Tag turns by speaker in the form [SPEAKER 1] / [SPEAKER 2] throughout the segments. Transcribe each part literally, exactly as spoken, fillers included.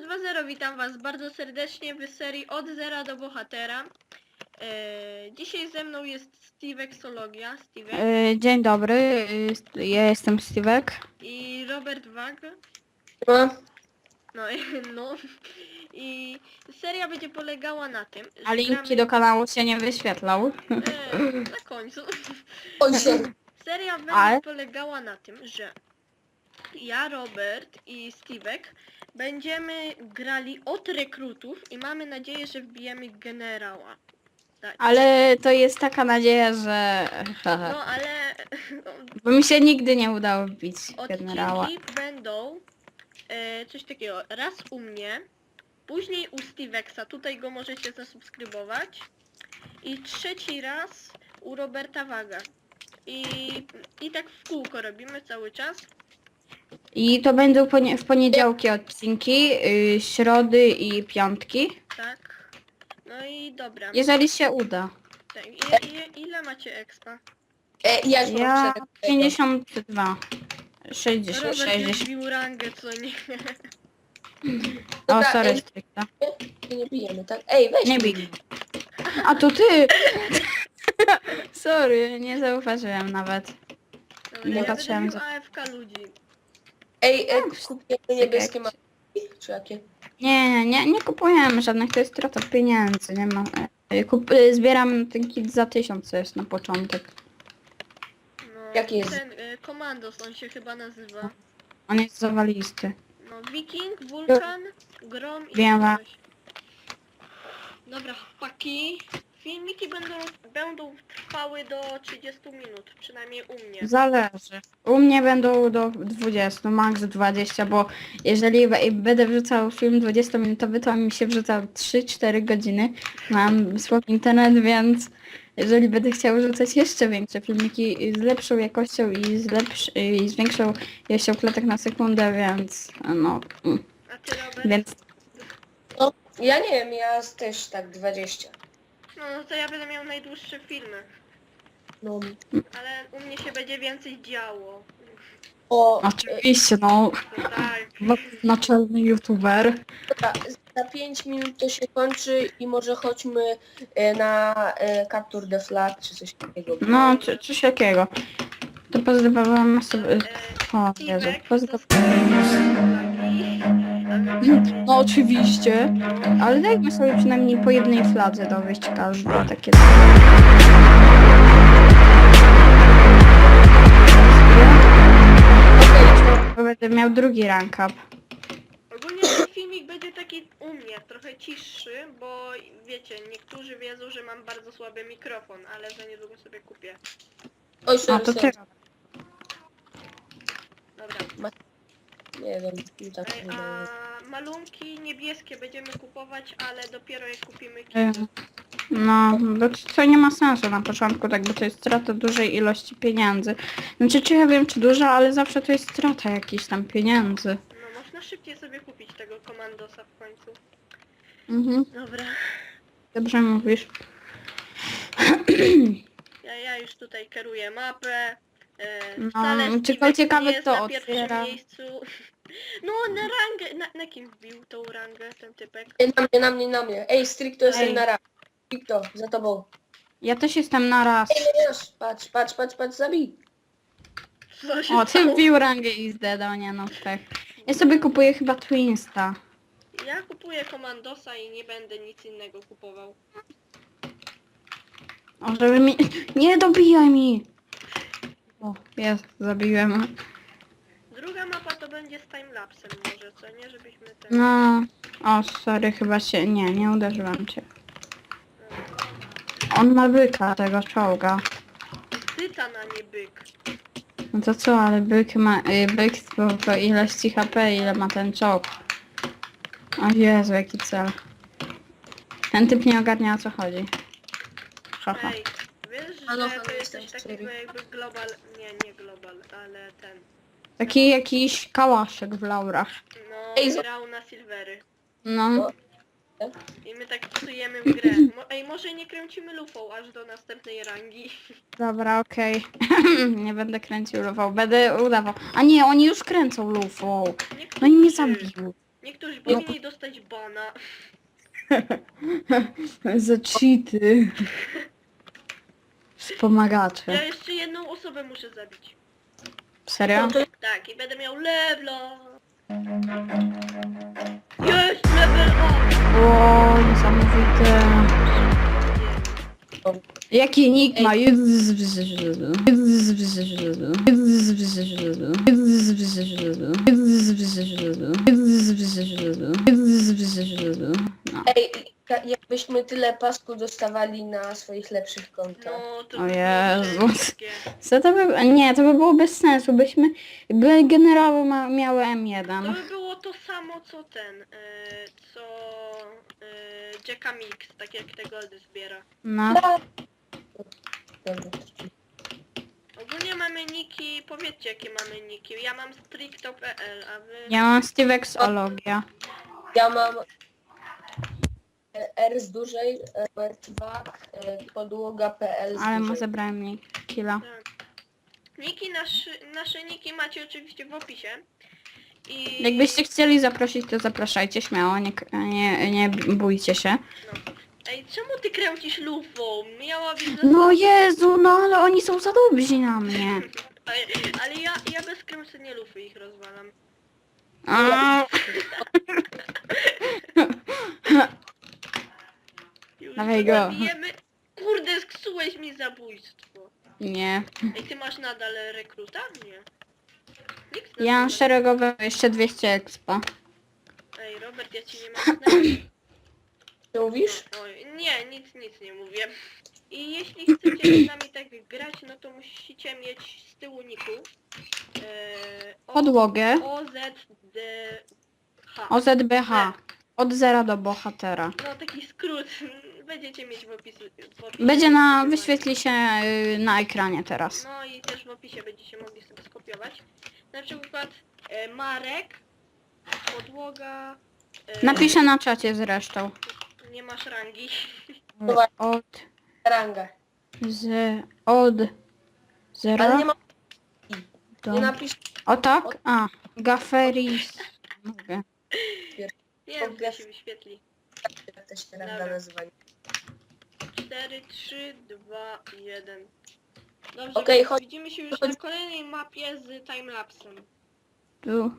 [SPEAKER 1] dwa zero, witam was bardzo serdecznie w serii Od Zera do Bohatera. Eee, dzisiaj ze mną jest Steve Exologia, Steve
[SPEAKER 2] Yy, Dzień dobry, yy, ja jestem Stevek.
[SPEAKER 1] i Robert Wag.
[SPEAKER 3] No,
[SPEAKER 1] No, no. I seria będzie polegała na tym,
[SPEAKER 2] A
[SPEAKER 1] że
[SPEAKER 2] linki
[SPEAKER 1] gramy...
[SPEAKER 2] do kanału się nie wyświetlał.
[SPEAKER 1] Eee, na końcu.
[SPEAKER 3] oj się.
[SPEAKER 1] Seria będzie
[SPEAKER 2] Ale-
[SPEAKER 1] polegała na tym, że ja, Robert i Stevek będziemy grali od rekrutów i mamy nadzieję, że wbijemy generała. Tak.
[SPEAKER 2] Ale to jest taka nadzieja, że...
[SPEAKER 1] No ale
[SPEAKER 2] Bo mi się nigdy nie udało wbić generała.
[SPEAKER 1] odcinki będą e, coś takiego, raz u mnie, później u Stevexa, tutaj go możecie zasubskrybować, i trzeci raz u Roberta Waga. I, I tak w kółko robimy cały czas.
[SPEAKER 2] I to będą ponie w poniedziałki odcinki, yy, środy i piątki.
[SPEAKER 1] Tak. No i dobra.
[SPEAKER 2] Jeżeli się uda.
[SPEAKER 1] Tak. I, i, ile macie expa?
[SPEAKER 3] E, ja już
[SPEAKER 2] Ja
[SPEAKER 3] mam cztery.
[SPEAKER 2] pięćdziesiąt dwa. sześćdziesiąt,
[SPEAKER 1] Robert już
[SPEAKER 2] sześćdziesiąt.
[SPEAKER 1] wbił rangę, co nie?
[SPEAKER 2] O,
[SPEAKER 3] Dobra,
[SPEAKER 2] sorry,
[SPEAKER 3] ej,
[SPEAKER 2] stricta.
[SPEAKER 3] nie bijemy, tak? Ej, weź
[SPEAKER 2] Nie
[SPEAKER 3] mnie.
[SPEAKER 2] bij. A to ty! Sorry, nie zauważyłem nawet.
[SPEAKER 1] Dobra,
[SPEAKER 2] Nie
[SPEAKER 1] ja
[SPEAKER 2] patrzyłem
[SPEAKER 1] będę
[SPEAKER 2] za-
[SPEAKER 1] bił A F K ludzi.
[SPEAKER 3] Ej, e, kupujemy niebieskie mapki, czy jakie?
[SPEAKER 2] Nie, nie, nie, nie kupujemy żadnych, to jest strata pieniędzy, nie ma. e, Kup, e, zbieram ten kit za tysiąc, co jest na początek.
[SPEAKER 1] No,
[SPEAKER 3] Jaki jest?
[SPEAKER 1] ten y, Komandos, on się chyba nazywa.
[SPEAKER 2] On jest zawalisty.
[SPEAKER 1] No, Wiking, Wulkan, Grom i
[SPEAKER 2] Wiem.
[SPEAKER 1] coś. Dobra, chłopaki. Filmiki będą, będą trwały do trzydziestu minut, przynajmniej u mnie.
[SPEAKER 2] Zależy. U mnie będą do dwudziestu, max dwadzieścia, bo jeżeli we- będę wrzucał film dwudziestominutowy, to mi się wrzuca trzy cztery godziny. Mam słaby internet, więc jeżeli będę chciał rzucać jeszcze większe filmiki z lepszą jakością i z, lepsz, i z większą ilością klatek na sekundę, więc no... mm,
[SPEAKER 1] A ty, Robert?
[SPEAKER 2] Więc
[SPEAKER 3] No, ja nie wiem, ja też tak dwadzieścia.
[SPEAKER 1] No, no to ja będę miał najdłuższe filmy.
[SPEAKER 3] No.
[SPEAKER 1] Ale u mnie się będzie więcej działo.
[SPEAKER 3] O, e,
[SPEAKER 2] oczywiście, no,
[SPEAKER 1] To tak.
[SPEAKER 2] naczelny youtuber.
[SPEAKER 3] dobra, za pięć minut to się kończy i może chodźmy e, na e, Capture the Flag, czy coś takiego.
[SPEAKER 2] No, czy, coś jakiego. To pozdrawiam sobie...
[SPEAKER 1] E,
[SPEAKER 2] O Jezu,
[SPEAKER 1] Stevek,
[SPEAKER 2] pozdrawiam.
[SPEAKER 1] subskrybuj flagi.
[SPEAKER 2] No oczywiście, ale dajmy sobie przynajmniej po jednej fladze dowieść każdy takie. Bo będę miał drugi rank up.
[SPEAKER 1] Ogólnie ten filmik będzie taki u mnie, trochę cichszy, bo wiecie, niektórzy wiedzą, że mam bardzo słaby mikrofon, ale za niedługo sobie kupię.
[SPEAKER 3] Oj,
[SPEAKER 2] A
[SPEAKER 3] sorry,
[SPEAKER 2] to ty.
[SPEAKER 3] sorry.
[SPEAKER 1] Dobra.
[SPEAKER 3] Nie wiem, nie tak
[SPEAKER 1] Ej,
[SPEAKER 3] nie wiem.
[SPEAKER 1] a malunki niebieskie będziemy kupować, ale dopiero jak kupimy
[SPEAKER 2] Y,
[SPEAKER 1] kilo.
[SPEAKER 2] No, bo to, to nie ma sensu na początku, tak, bo to jest strata dużej ilości pieniędzy. Znaczy, czy ja wiem, czy duża, ale zawsze to jest strata jakichś tam pieniędzy.
[SPEAKER 1] No można szybciej sobie kupić tego komandosa w końcu.
[SPEAKER 2] Mhm,
[SPEAKER 1] Dobra.
[SPEAKER 2] dobrze mówisz.
[SPEAKER 1] Ja, ja już tutaj kieruję mapę. E,
[SPEAKER 2] No,
[SPEAKER 1] wcale
[SPEAKER 2] tylko
[SPEAKER 1] Steve'ek
[SPEAKER 2] ciekawe,
[SPEAKER 1] nie jest
[SPEAKER 2] kto
[SPEAKER 1] na pierwszym
[SPEAKER 2] otwiera.
[SPEAKER 1] miejscu. No na rangę, na, na kim wbił tą rangę ten typek?
[SPEAKER 3] Ej, na mnie, na mnie, na mnie. Ej, Stricto jestem
[SPEAKER 2] Ej.
[SPEAKER 3] na raz. Stricto, za tobą.
[SPEAKER 2] Ja też jestem na raz.
[SPEAKER 3] Ej, nie, nie, patrz, patrz, patrz, patrz, zabij.
[SPEAKER 1] Co się
[SPEAKER 2] O, ty
[SPEAKER 1] stało?
[SPEAKER 2] wbił rangę i zdedał, nie no, tak. Ja sobie kupuję chyba Twinsta.
[SPEAKER 1] Ja kupuję komandosa i nie będę nic innego kupował.
[SPEAKER 2] O, żeby mi... Nie dobijaj mi! O, jest, zabiłem.
[SPEAKER 1] Druga mapa to będzie z timelapsem może, co nie? Żebyśmy ten...
[SPEAKER 2] No... O, sorry, chyba się... Nie, nie uderzyłam cię. On ma byka, tego czołga.
[SPEAKER 1] Tytan, a nie byk.
[SPEAKER 2] No to co, ale byk ma... Y, byk po, po ilości H P, ile ma ten czołg. O Jezu, jaki cel. Ten typ nie ogarnia, o co chodzi. Haha.
[SPEAKER 1] Ej, wiesz,
[SPEAKER 3] Halo,
[SPEAKER 1] że
[SPEAKER 3] halo,
[SPEAKER 1] to jest
[SPEAKER 3] jestem
[SPEAKER 1] coś
[SPEAKER 3] w
[SPEAKER 1] takiego
[SPEAKER 3] serii.
[SPEAKER 1] jakby global... Nie, nie global, ale ten...
[SPEAKER 2] Taki jakiś kałaszek w laurach.
[SPEAKER 1] No,
[SPEAKER 3] Ej, zo-
[SPEAKER 1] grał na silvery.
[SPEAKER 2] No.
[SPEAKER 1] I my tak psujemy w grę. Mo Ej, może nie kręcimy lufą aż do następnej rangi.
[SPEAKER 2] Dobra, okej. Nie będę kręcił lufą, będę udawał. A nie, oni już kręcą lufą. No i mnie
[SPEAKER 1] Niektórzy.
[SPEAKER 2] zabił.
[SPEAKER 1] Niektórzy powinni dostać bana.
[SPEAKER 2] Za cheaty. Wspomagacze.
[SPEAKER 1] Ja jeszcze jedną osobę muszę zabić.
[SPEAKER 2] Serio?
[SPEAKER 3] No to
[SPEAKER 1] Tak, i będę miał levela. Jest level up!
[SPEAKER 2] O, niesamowite. Jaki nick ma? No.
[SPEAKER 3] ej, ka- jakbyśmy tyle pasku dostawali na swoich lepszych kontach.
[SPEAKER 1] No to
[SPEAKER 2] O
[SPEAKER 1] by było
[SPEAKER 2] Jezus.
[SPEAKER 1] brzydkie.
[SPEAKER 2] Co to by... Nie, to by było bez sensu, byśmy... By generowo ma, miały M
[SPEAKER 1] To
[SPEAKER 2] jeden.
[SPEAKER 1] by było to samo co ten, e, co e, Jacka Mix, tak jak te goldy zbiera.
[SPEAKER 2] No.
[SPEAKER 3] Dobra.
[SPEAKER 1] Ogólnie mamy niki, powiedzcie jakie mamy niki. Ja mam stricto kropka p l, a wy...
[SPEAKER 2] Ja mam Stevexologia.
[SPEAKER 3] Ja mam R z dużej, R dwa, podłoga.pl z
[SPEAKER 2] Ale mu
[SPEAKER 3] dużej.
[SPEAKER 2] zabrałem mi killa.
[SPEAKER 1] Tak. Niki, nasze, nasze niki macie oczywiście w opisie. I...
[SPEAKER 2] Jakbyście chcieli zaprosić, to zapraszajcie śmiało, nie, nie, nie bójcie się.
[SPEAKER 1] No. Ej, czemu ty kręcisz lufą? Miałabyś...
[SPEAKER 2] No Jezu, no ale oni są za dobrzy na mnie.
[SPEAKER 1] Ale, ale ja, ja bez kręcenia lufy ich rozwalam.
[SPEAKER 2] A,
[SPEAKER 1] Już
[SPEAKER 2] Dawaj go.
[SPEAKER 1] zabijemy. Kurde, sksułeś mi zabójstwo.
[SPEAKER 2] nie.
[SPEAKER 1] Ej, ty masz nadal rekruta? Nie. Nikt
[SPEAKER 2] Ja mam
[SPEAKER 1] nadal-
[SPEAKER 2] szeregowe jeszcze dwieście expa.
[SPEAKER 1] Ej, Robert, ja ci nie mogę znaleźć.
[SPEAKER 3] Co mówisz?
[SPEAKER 1] Oj, nie, nic, nic nie mówię. I jeśli chcecie z nami tak grać, no to musicie mieć z tyłu niku e, o,
[SPEAKER 2] Podłogę.
[SPEAKER 1] O Z D H.
[SPEAKER 2] O Z B H. Od zera do bohatera.
[SPEAKER 1] No taki skrót będziecie mieć w opisie. W opisie
[SPEAKER 2] Będzie na... wyświetli się y, na ekranie teraz.
[SPEAKER 1] No i też w opisie będziecie mogli sobie skopiować. Na przykład e, Marek, podłoga. E,
[SPEAKER 2] Napiszę na czacie zresztą.
[SPEAKER 1] Nie masz rangi.
[SPEAKER 2] Od...
[SPEAKER 3] Ranga.
[SPEAKER 2] Z... Od...
[SPEAKER 3] Ale
[SPEAKER 2] Zera
[SPEAKER 3] nie ma...
[SPEAKER 2] do...
[SPEAKER 3] Nie napisz...
[SPEAKER 2] O tak? A. Gaferis. Mówię.
[SPEAKER 1] Nie wiem, to się wyświetli.
[SPEAKER 3] Jak to się ranga
[SPEAKER 1] Dobra.
[SPEAKER 3] nazywa.
[SPEAKER 1] cztery, trzy, dwa, jeden. Dobrze,
[SPEAKER 3] Okej, chodź-
[SPEAKER 1] widzimy się już
[SPEAKER 3] chodź-
[SPEAKER 1] na kolejnej mapie z timelapsem.
[SPEAKER 2] Tu.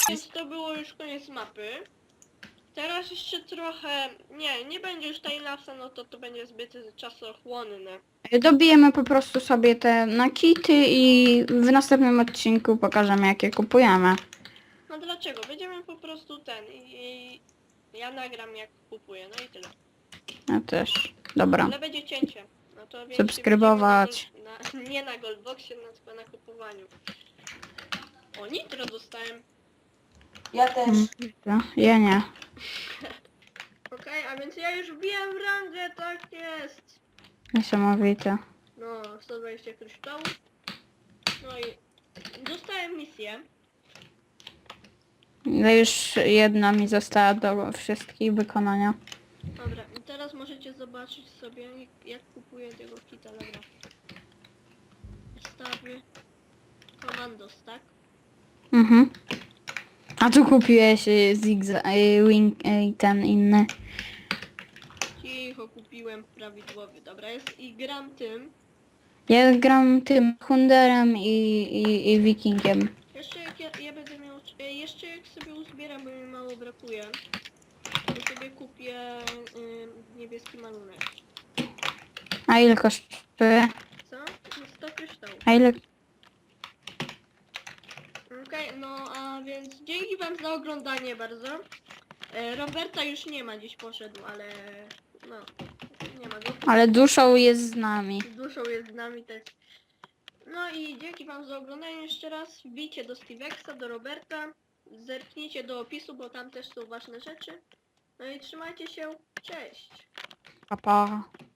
[SPEAKER 1] Więc to było już koniec mapy. Teraz jeszcze trochę... Nie, nie będzie już timelapsa, no to to będzie zbyt czasochłonne.
[SPEAKER 2] Dobijemy po prostu sobie te nakity i w następnym odcinku pokażemy jakie kupujemy.
[SPEAKER 1] No dlaczego? Będziemy po prostu ten i... i ja nagram jak kupuję, no i tyle.
[SPEAKER 2] Ja też. Dobra.
[SPEAKER 1] Ale będzie cięcie. No to więc
[SPEAKER 2] Subskrybować.
[SPEAKER 1] Na, na, nie na Goldboxie, no, tylko na kupowaniu. O, nitro dostałem.
[SPEAKER 3] Ja też.
[SPEAKER 2] Mm, Ja nie.
[SPEAKER 1] Okej, a więc ja już wbiłem w rangę, tak jest.
[SPEAKER 2] Niesamowite.
[SPEAKER 1] No, sto dwadzieścia kryształów. No i dostałem misję.
[SPEAKER 2] No już jedna mi została do wszystkich wykonania.
[SPEAKER 1] Dobra, i teraz możecie zobaczyć sobie jak, jak kupuję tego kita, dobra. Stawy. Commandos, tak?
[SPEAKER 2] Mhm. A tu kupiłeś y, zigza, y, wing, y, ten inny.
[SPEAKER 1] Cicho, kupiłem prawidłowy. Dobra, jest i gram tym.
[SPEAKER 2] Ja gram tym Hunderem i, i, i Wikingiem.
[SPEAKER 1] Jeszcze jak ja, ja będę miał... e, Jeszcze jak sobie uzbieram, bo mi mało brakuje, to sobie kupię y, niebieski malunek.
[SPEAKER 2] A ile kosztuje?
[SPEAKER 1] Co? No sto kryształów.
[SPEAKER 2] A ile...
[SPEAKER 1] Okej, no a więc dzięki wam za oglądanie bardzo. E, Roberta już nie ma, gdzieś poszedł, ale no, nie ma go.
[SPEAKER 2] Ale duszą jest z nami.
[SPEAKER 1] Z duszą jest z nami też. No i dzięki wam za oglądanie jeszcze raz. Wbijcie do Stevexa, do Roberta. Zerknijcie do opisu, bo tam też są ważne rzeczy. No i trzymajcie się. Cześć!
[SPEAKER 2] Pa, pa.